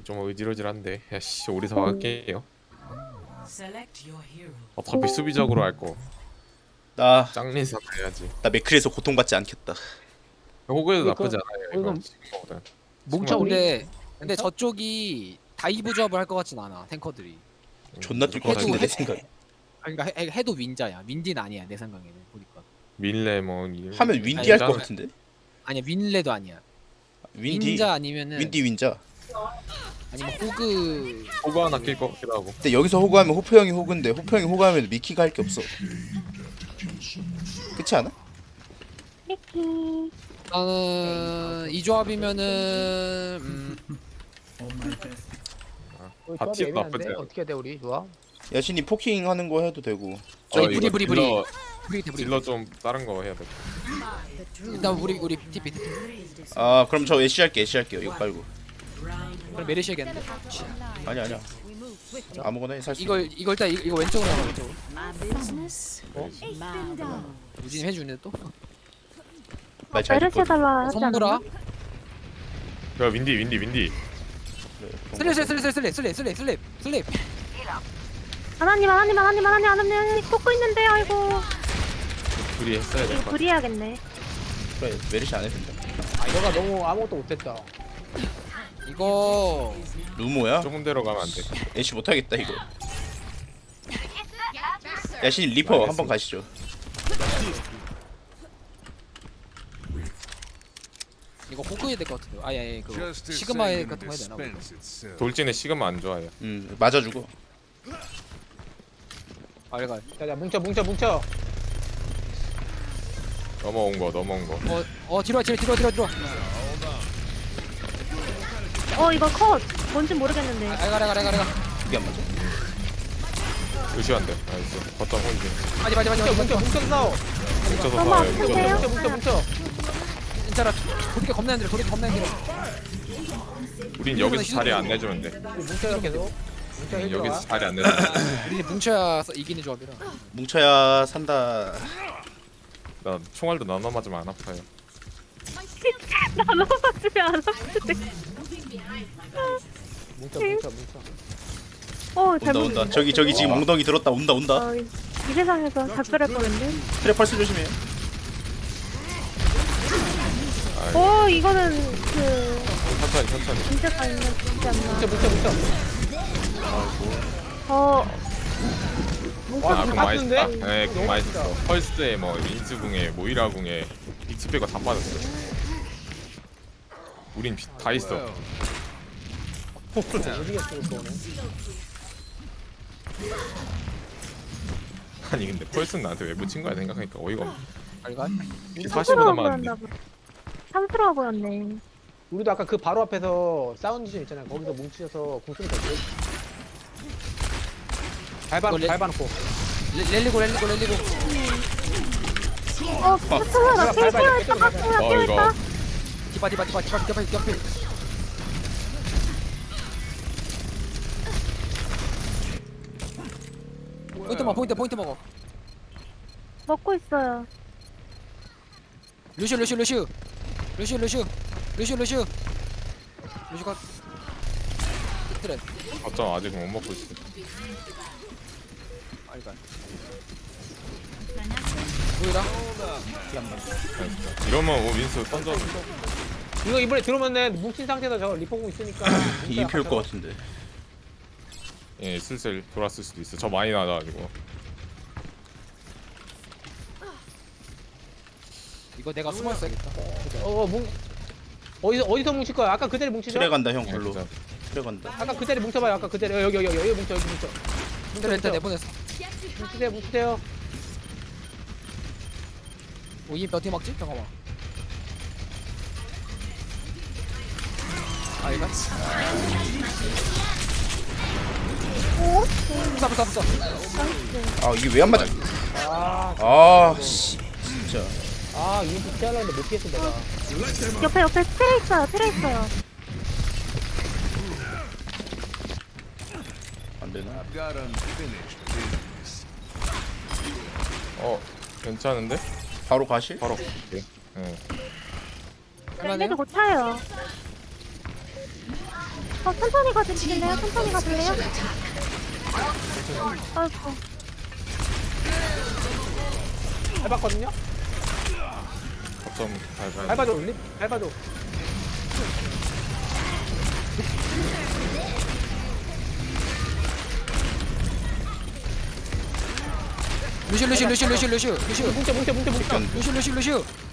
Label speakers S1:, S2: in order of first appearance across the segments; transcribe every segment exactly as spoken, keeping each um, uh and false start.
S1: 좀 어지러질한데. 야씨 오리사 갈게요. 어차피 수비적으로 할 거.
S2: 나,
S1: 짱린사 해야지.
S2: 나 맥크리에서 고통받지 않겠다.
S1: 호구에도
S3: 이거-
S1: 나쁘지 않아요. 이거
S3: 이거-
S1: 지금보다.
S3: 뭉쳐 우리.
S4: 근데 근데 저쪽이 다이브 조합을 할 것 같진 않아 탱커들이.
S2: 존나 뛸 것
S4: 해도-
S2: 같은데 내
S4: 해도-
S2: 생각에.
S4: 그러니까 해, 해도 윈자야. 윈디는 아니야 내 생각에는 보니까.
S1: 밀레 뭐 이-
S2: 하면 윈디
S4: 아니,
S2: 할 것
S1: 나는-
S2: 같은데.
S4: 아니야 윈레도 아니야.
S2: 윈디.
S4: 윈자 아니면은
S2: 윈디 윈자.
S4: 아니면 호그.
S1: 호구 하나 낄 것 같기도 하고.
S2: 근데 여기서 호구하면 호프 형이 호구인데 호프 형이 호구하면 미키가 할 게 없어. 그렇지 않아?
S5: 미키.
S4: 나는 이 조합이면은 음,
S3: 우리
S1: 다
S3: 조합이
S1: 티도
S3: 애매한데?
S1: 나쁘지 않아.
S3: 어떻게 해야 돼 우리 조합?
S2: 야신이 포킹 하는 거 해도 되고.
S1: 저
S4: 브리,
S1: 이거
S4: 브리, 브리.
S1: 딜러
S4: 브리기테 브리.
S1: 딜러 좀 다른 거 해야 돼.
S4: 일단 우리 우리 티피 티피.
S2: 아 그럼 저 애쉬 할게 애쉬 할게요. 이거 깔고.
S4: 그럼 메르시 해야겠는데.
S2: 아니 아니야. 아무거나 해 살 수.
S4: 이거 이거 일단 이거, 이거 왼쪽으로 해 왼쪽으로.
S5: 어?
S4: 유진 해주네 또.
S2: 말잘
S5: 메르시
S2: 듣거든.
S5: 해달라 하지
S4: 성구라.
S5: 않았나?
S1: 야 윈디 윈디 윈디.
S4: 슬립 슬립 슬립 슬립 슬립 슬립 슬립 슬립.
S5: 하나님 하나님 하나님 하나님 하나님 꽂고 있는데요 이거.
S1: 둘이 했어야 될 것 같아.
S5: 불이해야겠네.
S2: 그래 메르시 안 해도 된다.
S3: 아 너가 너무 아무것도 못했다.
S4: 이거
S2: 루모야?
S1: 조금 데로 가면 안 돼.
S2: 애쉬 못하겠다 이거. 야신 리퍼 한번 가시죠.
S4: 이거 호그 해야 될 것 같은데. 아예 그 시그마 해 같은 거 해야 되나? 우리?
S1: 돌진의 시그마 안 좋아해요.
S2: 음 맞아주고.
S4: 알갈.
S3: 자자 뭉쳐 뭉쳐 뭉쳐.
S1: 넘어온 거 넘어온 거.
S4: 어어 뒤로 와, 뒤로 뒤로 뒤로 뒤로.
S5: 어 이거 컷. 뭔진 모르겠는데.
S4: 알갈 알갈 알갈 알갈.
S2: 이게 안 맞아?
S1: 의시한데. 나이스. 거점 혼지.
S4: 맞지 맞지 맞지
S3: 뭉쳐
S4: 맞지.
S3: 뭉쳐 뭉쳐 싸워.
S1: 뭉쳐서
S5: 너무
S1: 싸워요.
S5: 아픈데요?
S3: 뭉쳐 뭉쳐 뭉쳐.
S4: 진짜라. 도리가 겁나 힘들어. 도리가 겁나 힘들어.
S1: 우린 여기서 자리 안 내주면 돼.
S3: 우리 뭉쳐요 계속. 뭉쳐
S1: 우린
S3: 힐
S1: 여기서
S3: 들어와.
S1: 자리 안 내주면 돼.
S4: 우리 뭉쳐야 서- 이기는 조합이라.
S2: 뭉쳐야 산다.
S1: 나 총알도 나눠 맞으면 안 아파요.
S5: 나눠 맞으면 안 아프대.
S3: 뭉쳐 뭉쳐 뭉쳐.
S5: 어
S2: 온다
S5: 잘못.
S2: 온다. 저기 저기 지금 엉덩이 들었다. 온다 온다.
S5: 어, 이 세상에서 작별할 뻔했네.
S2: 트랩 펄스 조심해.
S5: 어 이거는 그
S1: 천천히 천천히.
S5: 문제가 있는 거지 않나.
S3: 뭉쳐 뭉쳐 뭉쳐.
S5: 어
S1: 아,
S3: 뭉쳐
S1: 공 많이
S3: 뭉쳤는데?
S1: 썼다. 네, 공 많이 썼어. 펄스에 뭐 린스궁에 모이라궁에 익스페가 다 빠졌어. 우린 비- 다 있어.
S3: 어디겠어 이거는.
S1: 아니 근데 펄스는 나한테 왜 붙인 거야 생각하니까 어이가 없네.
S4: 알갈.
S1: 사십보다
S5: 탐스러워
S1: 많은데.
S5: 보였나 봐. 탐스러워 보였네.
S3: 우리도 아까 그 바로 앞에서 사운드 좀 있잖아요. 거기서 뭉치셔서 궁 쏘면 되지. 밟아
S4: 이거 레-
S3: 밟아놓고.
S4: 레- 렐리고 렐리고 렐리고.
S5: 어 스타가 나
S3: 밟아야 돼,
S5: 깨끗했다.
S3: 깨끗하게.
S5: 스타가
S1: 어, 이거.
S5: 깨끗했다.
S4: 디바 디바 디바 디바 디바 디바. 포인트 먹어 포인트 포인트 먹어.
S5: 먹고 있어요.
S4: 루슈 루슈 루슈 루슈 루슈 루슈 루슈 루슈가 그래.
S1: 어쩜 아직 못 먹고 있어.
S4: 알갈. 보이라.
S1: 이러면 오 윈스 던져.
S3: 이거 이번에 들어오면은 뭉친 상태에서 저 리포공 있으니까.
S2: 이입힐 것 같은데.
S1: 예 슬슬 돌았을 수도 있어. 저 많이 나가지고.
S4: 이거 내가 숨어 있어야겠다.
S3: 어, 뭉 어디서 어디서 뭉칠 거야? 아까 그 자리 뭉치죠?
S2: 트레 간다 형
S1: 예,
S2: 별로.
S1: 진짜.
S2: 트레 간다.
S3: 아까 그 자리 뭉쳐봐요. 아까 그 자리 여기 여기 여기 여기 뭉쳐 여기 뭉쳐.
S4: 일단 일단 내보냈어.
S3: 뭉치세요 뭉치세요.
S4: 오이 어떻게 막지? 잠깐만. 알갈.
S5: 오?
S4: 부숴 부숴 부숴.
S2: 아 이게 왜 안 맞아?
S3: 아,
S2: 아 씨. 진짜.
S3: 아 이거 피하려고 했는데 못 피했어 내가.
S5: 옆에 옆에 트레 있어요. 트레 있어요.
S2: 안 되나?
S1: 어 괜찮은데?
S2: 바로 가실?
S1: 바로 갈게. 예.
S5: 랜드도 못 차요. 어, 천천히 가주실래요? 천천히 가줄래요? 아이고.
S3: 밟았거든요?
S1: 거점 밟아야 돼.
S3: 밟아줘 립 밟아줘.
S4: 루시 루시 루시 루시 루시 루시
S3: 뭉쳐 뭉쳐 뭉쳐 뭉쳐.
S4: 루시 루시 루시.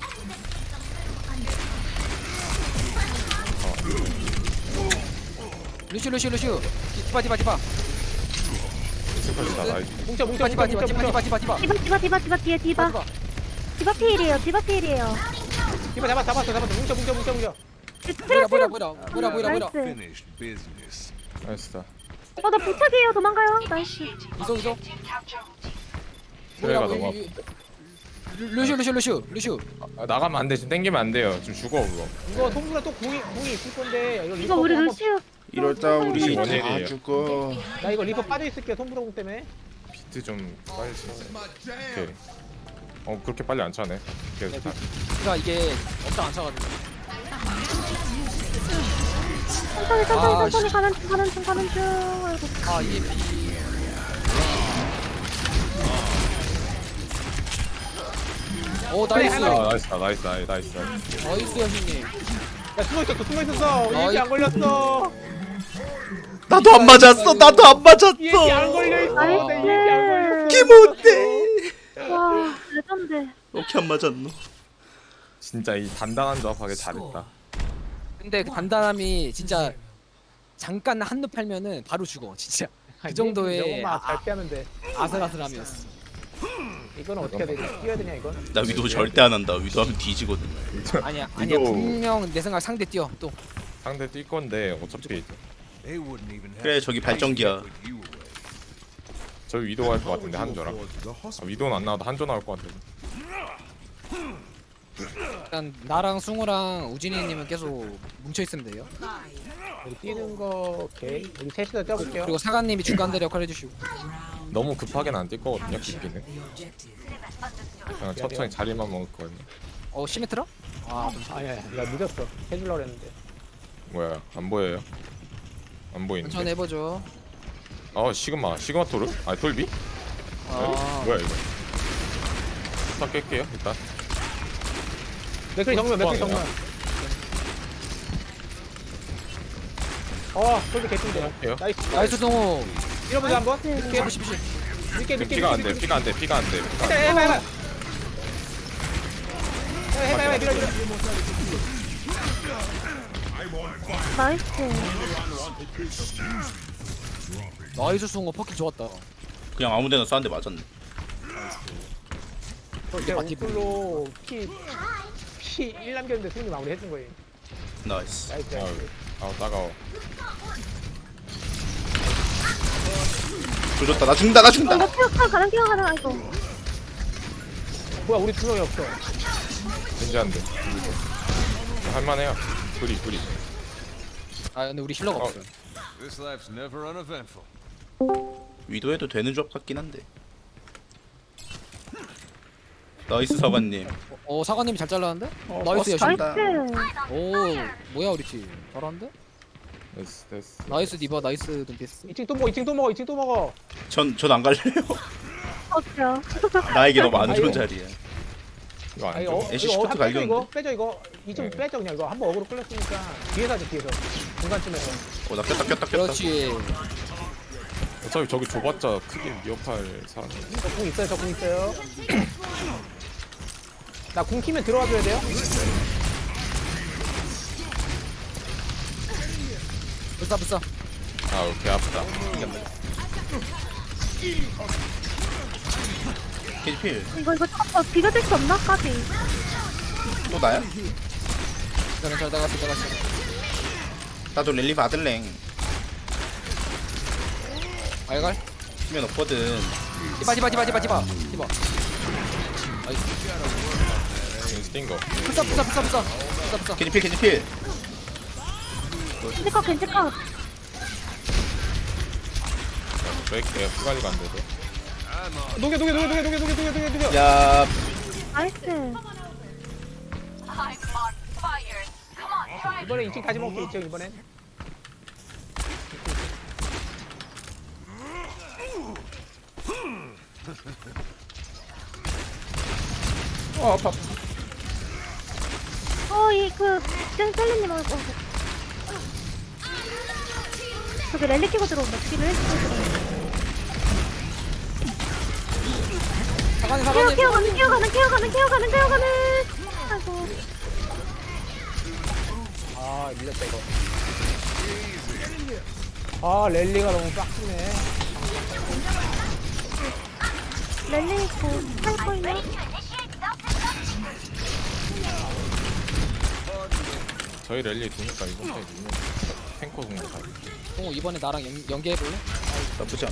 S4: 루시 루시 루시. 디바 디바 디바.
S1: 스컬리다 나이스.
S3: 뭉쳐 뭉쳐
S4: 디바
S3: 뭉쳐
S4: 디바
S3: 뭉쳐
S4: 디바 디바
S3: 뭉쳐.
S4: 디바 디바.
S5: 디바, 디바, 디바, 디바, 뒤에 디바.
S4: 디바.
S5: 디바 필이에요, 디바 필이에요.
S3: 디바 잡았 잡았어 잡았어. 뭉쳐 뭉쳐 뭉쳐 뭉쳐.
S4: 뭐라 뭐라 뭐라 뭐라 뭐라 뭐라.
S5: 나이스.
S6: Finished business.
S1: 나이스다.
S5: 어, 나 부착이에요, 도망가요. 나이스.
S4: 이소 이소.
S1: 트레가
S4: 뭐야,
S1: 너무
S4: 이- 이- 루시 루시 루시 루시.
S1: 아, 나가면 안 돼. 지금 땡기면 안 돼요. 지금 죽어 그거.
S3: 이거 송구라 또 궁이 궁이 있을 건데 이거
S5: 이거
S3: 리퍼
S5: 우리
S3: 한번-
S5: 루시우.
S2: 이러다 우리 다
S1: 원일이에요.
S2: 죽어.
S3: 나 이거 리퍼 빠져 있을게 송구라 궁 때문에.
S1: 비트 좀 빨리 치. 오케이. 어 그렇게 빨리 안 차네. 계속 다.
S4: 그러니까 이게 엄청 안 차가지고.
S5: 천천히,
S4: 아,
S5: 천천히, 천천히
S4: 씨.
S5: 가는 중, 가는 중, 가는 중. 아이고.
S4: 아 이게 비. 오 나이스.
S1: 아 나이스다 나이스 나이스 나이스. 나이스.
S4: 나이스 형님.
S3: 야 숨어 있었어 숨어 있었어.
S4: 어,
S3: 이게 안 걸렸어.
S2: 나도 안 맞았어. 나도 안 맞았어.
S3: 이게 안 걸려 있어. 내 이게 안 걸렸어.
S2: 기못해.
S5: 와, 레전드.
S2: 어떻게 안 맞았노?
S1: 진짜 이 단단한 조합하게 잘했다.
S4: 근데 그 단단함이 진짜 잠깐 한눈 팔면은 바로 죽어 진짜. 그 정도의
S3: 명마 잘 피하면 돼.
S4: 아슬아슬함이었어.
S3: 이건 어떻게 해야 되냐? 뛰어야 되냐 이건?
S2: 나 위도 절대 안 한다. 위도 하면 뒤지거든.
S4: 아니야 아니야
S1: 위도-
S4: 분명 내 생각 상대 뛰어 또.
S1: 상대 뛸 건데 어차피
S6: They wouldn't even have
S2: 그래 저기 발전기야.
S6: put you away.
S1: 저 위도 할 것 같은데 한조랑. 아, 위도는 안 나와도 한조 나올 것 같은데.
S4: 일단 나랑 승우랑 우진이님은 계속 뭉쳐 있으면 돼요.
S3: 우리 뛰는 거 오케이. 우리 셋이서 뛰어볼게요.
S4: 그리고 사관님이 중간 대력 해주시고.
S1: 너무 급하게는 안 뛸 거거든요. 깊기는. 그냥 천천히 자리만 먹을 거거든요.
S4: 어 시메트라? 아
S3: 아니야, 나 늦었어. 해주려고 했는데.
S1: 뭐야 안 보여요? 안
S4: 천천히
S1: 보이는데.
S4: 해보죠.
S1: 어 시그마 시그마 토르? 아 돌비?
S4: 아
S1: 뭐야 이거? 딱 깰게요 일단.
S3: 맥클 정면, 맥클 정면. 어, 솔드 개쁜데.
S1: 할게요.
S3: 나이스.
S4: 나이스 승우.
S3: 밀어보자 한번. 늦게,
S4: 비시 비시.
S3: 늦게, 늦게.
S1: 피가 안 돼. 피가 안 돼. 피가 안 돼. 피가 안
S3: 해봐,
S1: 돼.
S3: 해봐, 해봐. 해봐, 해봐, 밀어, 밀어.
S5: 나이스.
S4: 나이스 승우 퍼킹 좋았다.
S2: 그냥 아무데나 쐈는데 맞았네.
S3: 어, 제가 우클로 피, 피 일 남겼는데 승리 마무리 해준 거예요.
S2: 나이스.
S3: 나이스,
S1: 아우
S3: 나이스.
S1: 아우 따가워.
S2: 조졌다. 나 죽는다. 나
S5: 어,
S2: 죽는다.
S5: 나 뛰어가, 가는, 뛰어가는, 아이고.
S3: 뭐야, 우리 두 명이 없어.
S1: 진짜 안 돼. 할만해요. 뿌리 뿌리.
S4: 아 근데 우리 힐러가
S1: 어.
S4: 없어요.
S6: This life's never uneventful.
S2: 위도해도 되는 조합 같긴 한데. 나이스 사관님.
S4: 어 사관님이 잘 잘랐는데?
S2: 어,
S4: 나이스 여신.
S2: 버스
S5: 나이스.
S2: 간다.
S4: 오 뭐야 우리 팀 잘하는데?
S1: 됐어 됐어.
S4: 나이스 디바 나이스 눈피스.
S3: 이 층 또 먹어, 이 층 또 먹어, 이 층 또 먹어.
S2: 전 전 안 갈래요.
S5: 어때요?
S2: 나에게 너무 안 좋은
S3: 아이고.
S2: 자리야.
S1: 이거
S3: 아,
S1: 안
S3: 이거,
S1: 줘.
S3: 어,
S2: 애쉬
S3: 이거
S2: 시프트
S3: 한 빼줘,
S2: 갈겼는데?
S3: 이거. 빼줘, 이거. 이 층
S1: 네.
S3: 빼줘, 그냥 이거. 한번 어그로 끌렸으니까. 뒤에서 하자, 뒤에서. 중간쯤에서.
S2: 어, 나 꼈다 꼈다 꼈다.
S4: 그렇지.
S1: 어차피 저기 좁았자 크게 위협할 사람.
S3: 저 궁 있어요, 저 궁 있어요. 나 궁 키면 들어와 줘야 돼요?
S4: 불사 불사.
S1: 아 오케이 아프다.
S2: 캐지필.
S5: 이거, 이거, 어, 비벼줄 수 없나? 까지.
S2: 또 나야?
S4: 저는 잘 나갔어 나갔어.
S2: 나도 랠리 받을랭.
S4: 알갈.
S2: 치면 없거든.
S4: 디바 디바 디바 디바 디바 디바.
S1: 띵 거.
S4: 불사 불사 불사 불사 불사 불사.
S2: 캐지필 캐지필.
S5: 캔디컷, 캔디컷.
S1: 왜 이렇게 피 관리가 안 돼서?
S3: 녹여, 녹여, 녹여, 녹여, 녹여, 녹여, 녹여, 녹여, 녹여.
S2: 야,
S5: 나이스.
S3: 이번에 이 층 다시 먹게, 이 층, 이번엔.
S2: 어 아파.
S5: 어이그 셀리님 어 저기 랠리 끼고 들어온다. 저기 랠리 끼고 들어온다.
S4: 사관이
S5: 케어
S4: 사관이
S5: 케어 가는 케어 가는 케어 가는 케어 가는 케어 가는. 아이고.
S3: 아 밀렸다 이거. 아 랠리가 너무 빡치네.
S5: 랠리 있고 할 거예요.
S1: 저희 랠리 두니까 이번 타임 밀면 탱커 공격 다.
S4: 동호 이번에 나랑 연, 연계해볼래?
S2: 나쁘지 않아.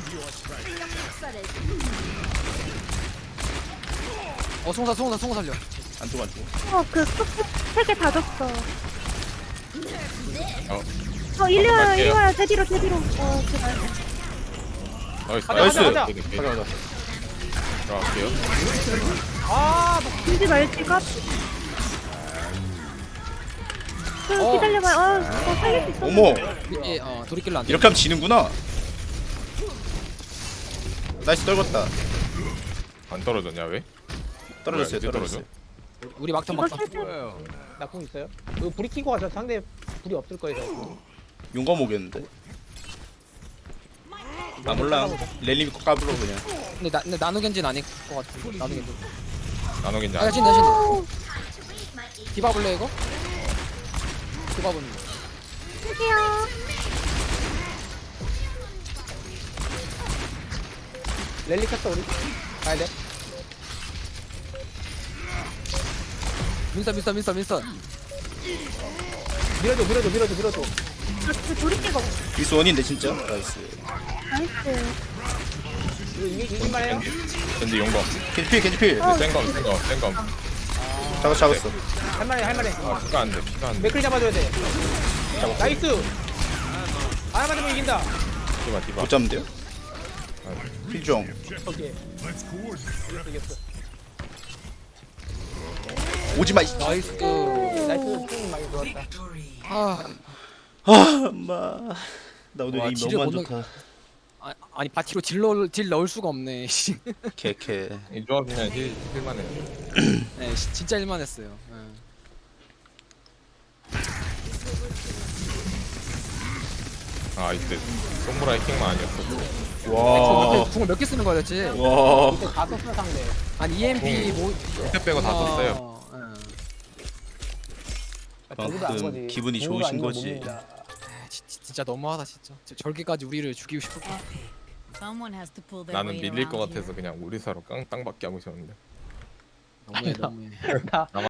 S4: 어 송사 송사 송사 살려.
S2: 안 죽어 안 죽어.
S5: 어그 세개 다 줬어.
S1: 어,
S5: 어 일리 와요
S1: 갈게요.
S5: 일리 와요. 제 뒤로 제 뒤로. 어 제발.
S1: 나이스.
S3: 가자,
S2: 나이스.
S3: 가자, 가자.
S1: 오케이,
S2: 가자 가자.
S1: 들어갈게요.
S3: 아
S5: 들지 말지가. 그
S4: 어.
S5: 기다려봐요. 어, 어 살릴 수 있어.
S2: 어머
S4: 이게 어 돌이킬로 안 돼.
S2: 이렇게 하면 지는구나. 나이스 떨궜다.
S1: 안 떨어졌냐 왜?
S2: 떨어졌어요
S1: 뭐야, 이제
S2: 떨어졌어요.
S4: 우리 막턴
S5: 이거
S4: 막턴.
S5: 실패.
S6: Well,
S3: 나 궁 있어요? 이거 불이 켜고 가서 상대 불이 없을 거예요. 저거.
S2: 용감 오겠는데. 아 몰라. 랠리 믿고 까불어 그냥.
S4: 근데 나 근데 나누겐지는 아닐 것 같아. 나누겐지.
S1: 나노긴지
S4: 아
S1: 안.
S4: 진다 진다.
S5: 오,
S4: 디바 볼래 이거? 디바 보는 거.
S5: 할게요.
S3: 랠리 켰어 우리. 가야 돼.
S4: 민선 민선 민선 민선.
S3: 밀어줘 밀어줘 밀어줘 밀어줘.
S5: 그 돌이키고.
S2: 미스 원인데 진짜. 나이스.
S5: 나이스.
S3: 이거 이기 이길만 해요?
S1: 겐지 용검.
S2: 겐지필 겐지필.
S5: 어.
S1: 센검 센검 센검.
S2: 잡았 잡았어.
S3: 할만해 할만해.
S1: 아 피가 안 돼. 피가 안 돼.
S3: 맥클 잡아줘야 돼. 나이스. 하나 맞으면 이긴다.
S1: 디바 디바.
S2: 못 잡는데요? 필종.
S3: 오케이. 이겼어.
S2: 오지마.
S4: 나이스.
S3: 나이스. 팀 많이 좋았다.
S4: 아
S2: 아 엄마. 나 오늘
S4: 와,
S2: 이
S4: 지뢰
S2: 너무 안
S4: 못
S2: 좋다.
S4: 아, 아니 바티로 딜 넣을 딜 넣을 수가 없네. 씨.
S2: 개개.
S1: 이 조합이면 힐 힐만해.
S4: 네, 시- 진짜 일만했어요. 네.
S1: 아 이때 손보라의 킹만 아니었어.
S2: 와.
S4: 궁을 몇 개 쓰는 거야 대체?
S2: 와.
S3: 이때 다 썼어 상대.
S4: 아니 이엠피 뭐
S1: 밑에 빼고 다 썼어요.
S4: 어, 예.
S3: 저보다 안
S2: 그만큼
S3: 거지.
S2: 기분이
S3: 공으로
S2: 좋으신
S3: 아니면 못
S2: 거지.
S3: 믿는다.
S4: 아, 지- 지- 진짜 너무하다 진짜. 저- 저렇게까지 우리를 죽이고 싶을 거.
S7: Someone has to pull their
S1: 나는
S7: weight
S1: 밀릴 것
S7: around here.
S1: 같아서 그냥 우리사로 깡 땅밖에 하고 있었는데.
S4: 너무해 너무해.
S3: 나